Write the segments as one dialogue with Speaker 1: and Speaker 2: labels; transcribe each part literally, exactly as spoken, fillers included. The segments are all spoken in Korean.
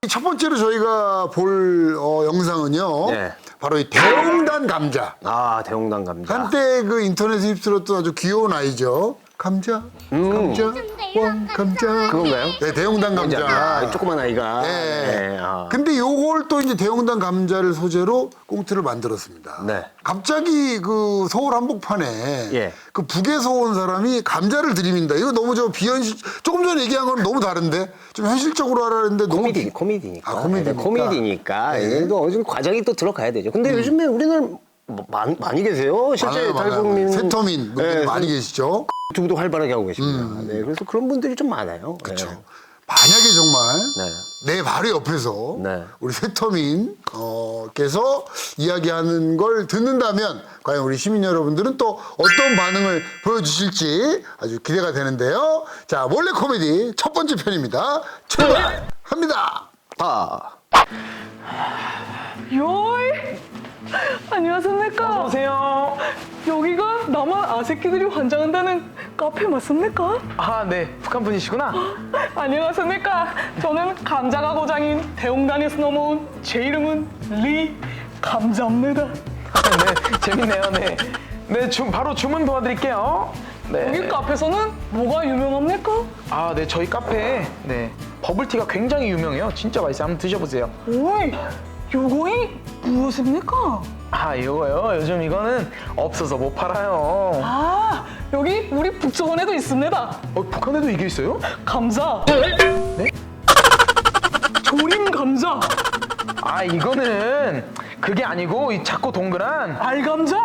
Speaker 1: 첫 번째로 저희가 볼 어, 영상은요.
Speaker 2: 네.
Speaker 1: 바로 이 대홍단 감자.
Speaker 2: 아, 대홍단 감자.
Speaker 1: 한때 그 인터넷에 휩쓸었던 아주 귀여운 아이죠. 감자, 감자, 왕 감자.
Speaker 2: 그건가요?
Speaker 1: 네, 대홍단 감자.
Speaker 2: 아, 조그만 아이가.
Speaker 1: 네.
Speaker 2: 네, 아.
Speaker 1: 근데 요걸 또 이제 대홍단 감자를 소재로 꽁트를 만들었습니다.
Speaker 2: 네.
Speaker 1: 갑자기 그 서울 한복판에
Speaker 2: 예.
Speaker 1: 그 북에서 온 사람이 감자를 들이민다. 이거 너무 저 비현실, 조금 전에 얘기한 거는 너무 다른데? 좀 현실적으로 하라는데 너무.
Speaker 2: 코미디,
Speaker 1: 비-
Speaker 2: 코미디니까.
Speaker 1: 아, 코미디니까.
Speaker 2: 네, 코미디니까.
Speaker 1: 네.
Speaker 2: 이게 또 어느 정도 과정이 또 들어가야 되죠. 근데 요즘에 우리는 뭐, 많, 많이 계세요. 실제
Speaker 1: 많아요, 많아요.
Speaker 2: 탈북민.
Speaker 1: 세터민 분들이
Speaker 2: 네,
Speaker 1: 많이 계시죠.
Speaker 2: 유튜브도 활발하게 하고 계십니다. 네, 그래서 그런 분들이 좀 많아요.
Speaker 1: 그렇죠.
Speaker 2: 네.
Speaker 1: 만약에 정말
Speaker 2: 네.
Speaker 1: 내 바로 옆에서
Speaker 2: 네.
Speaker 1: 우리 세터민께서 이야기하는 걸 듣는다면 과연 우리 시민 여러분들은 또 어떤 반응을 보여주실지 아주 기대가 되는데요. 자, 몰래 코미디 첫 번째 편입니다. 출발합니다.
Speaker 2: 아.
Speaker 3: 요이! 안녕하십니까?
Speaker 4: 어서오세요.
Speaker 3: 여기가 남한 아새끼들이 환장한다는 카페 맞습니까?
Speaker 4: 아, 네. 북한 분이시구나.
Speaker 3: 안녕하십니까? 저는 감자가 고장인 대홍단에서 넘어온 제 이름은 리 감자입니다.
Speaker 4: 네, 재밌네요. 네. 네, 주, 바로 주문 도와드릴게요. 네.
Speaker 3: 여기 카페에서는 뭐가 유명합니까?
Speaker 4: 아, 네. 저희 카페에 네. 버블티가 굉장히 유명해요. 진짜 맛있어요. 한번 드셔보세요.
Speaker 3: 오이! 요거이 무엇입니까?
Speaker 4: 아, 이거요. 요즘 이거는 없어서 못 팔아요.
Speaker 3: 아, 여기 우리 북쪽원에도 있습니다.
Speaker 4: 어, 북한에도 이게 있어요?
Speaker 3: 감자.
Speaker 4: 네?
Speaker 3: 조림 감자.
Speaker 4: 아, 이거는 그게 아니고 이 작고 동그란
Speaker 3: 알감자.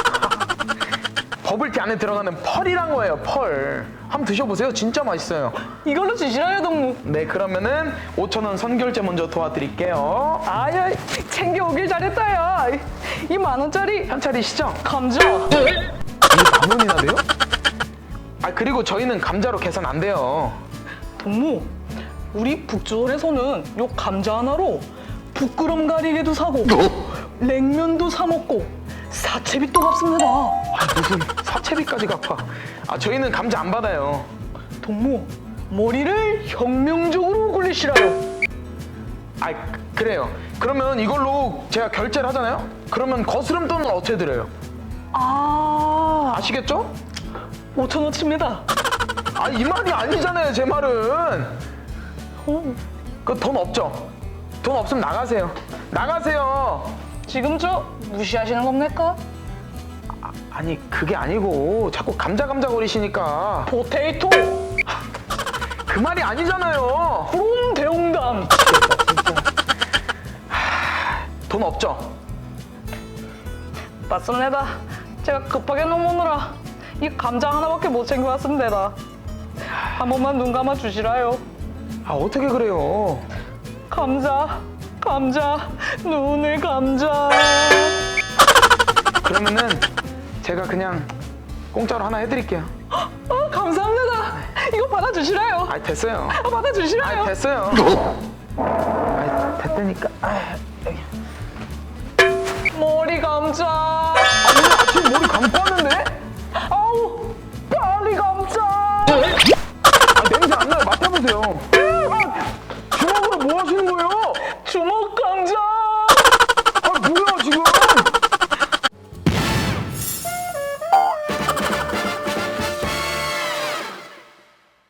Speaker 4: 버블티 안에 들어가는 펄이란 거예요. 펄. 한번 드셔보세요. 진짜 맛있어요.
Speaker 3: 이걸로 주시라요, 동무.
Speaker 4: 네, 그러면은 오천 원 선결제 먼저 도와드릴게요.
Speaker 3: 아야, 챙겨오길 잘했다, 야. 이 만 원짜리
Speaker 4: 현찰이시죠?
Speaker 3: 감자.
Speaker 4: 이게 만 원이나 돼요? 아, 그리고 저희는 감자로 계산 안 돼요.
Speaker 3: 동무, 우리 북조원에서는 요 감자 하나로 부끄럼 가리개도 사고 냉면도 사 먹고 사채빚도 갚습니다.
Speaker 4: 아, 무슨 사채비까지 갚아. 아, 저희는 감자 안 받아요.
Speaker 3: 동무, 머리를 혁명적으로 굴리시라요.
Speaker 4: 아, 그래요. 그러면 이걸로 제가 결제를 하잖아요? 그러면 거스름 돈은 어떻게 드려요?
Speaker 3: 아,
Speaker 4: 아시겠죠?
Speaker 3: 오천 원치입니다.
Speaker 4: 아, 이 말이 아니잖아요, 제 말은.
Speaker 3: 어,
Speaker 4: 그 돈 없죠? 돈 없으면 나가세요. 나가세요.
Speaker 3: 지금 저 무시하시는 겁니까?
Speaker 4: 아니, 그게 아니고 자꾸 감자 감자 거리시니까
Speaker 3: 포테이토,
Speaker 4: 그 말이 아니잖아요.
Speaker 3: 그럼 대홍단.
Speaker 4: 돈 없죠?
Speaker 3: 맞습니다. 제가 급하게 넘어오느라 이 감자 하나밖에 못 챙겨왔습니다. 한 번만 눈 감아 주시라요.
Speaker 4: 아, 어떻게 그래요?
Speaker 3: 감자, 감자, 눈을 감자.
Speaker 4: 그러면은 제가 그냥 공짜로 하나 해드릴게요.
Speaker 3: 아, 감사합니다. 이거 받아주시라요.
Speaker 4: 아, 됐어요.
Speaker 3: 아, 받아주시라요.
Speaker 4: 아, 됐어요. 아, 됐다니까. 아, 여기.
Speaker 3: 머리 감자.
Speaker 4: 아니, 아침에 머리 감고 왔는데?
Speaker 3: 아우, 빨리 감자.
Speaker 4: 아, 냄새 안 나요. 맡아보세요. 아, 주먹으로 뭐 하시는 거예요?
Speaker 3: 주먹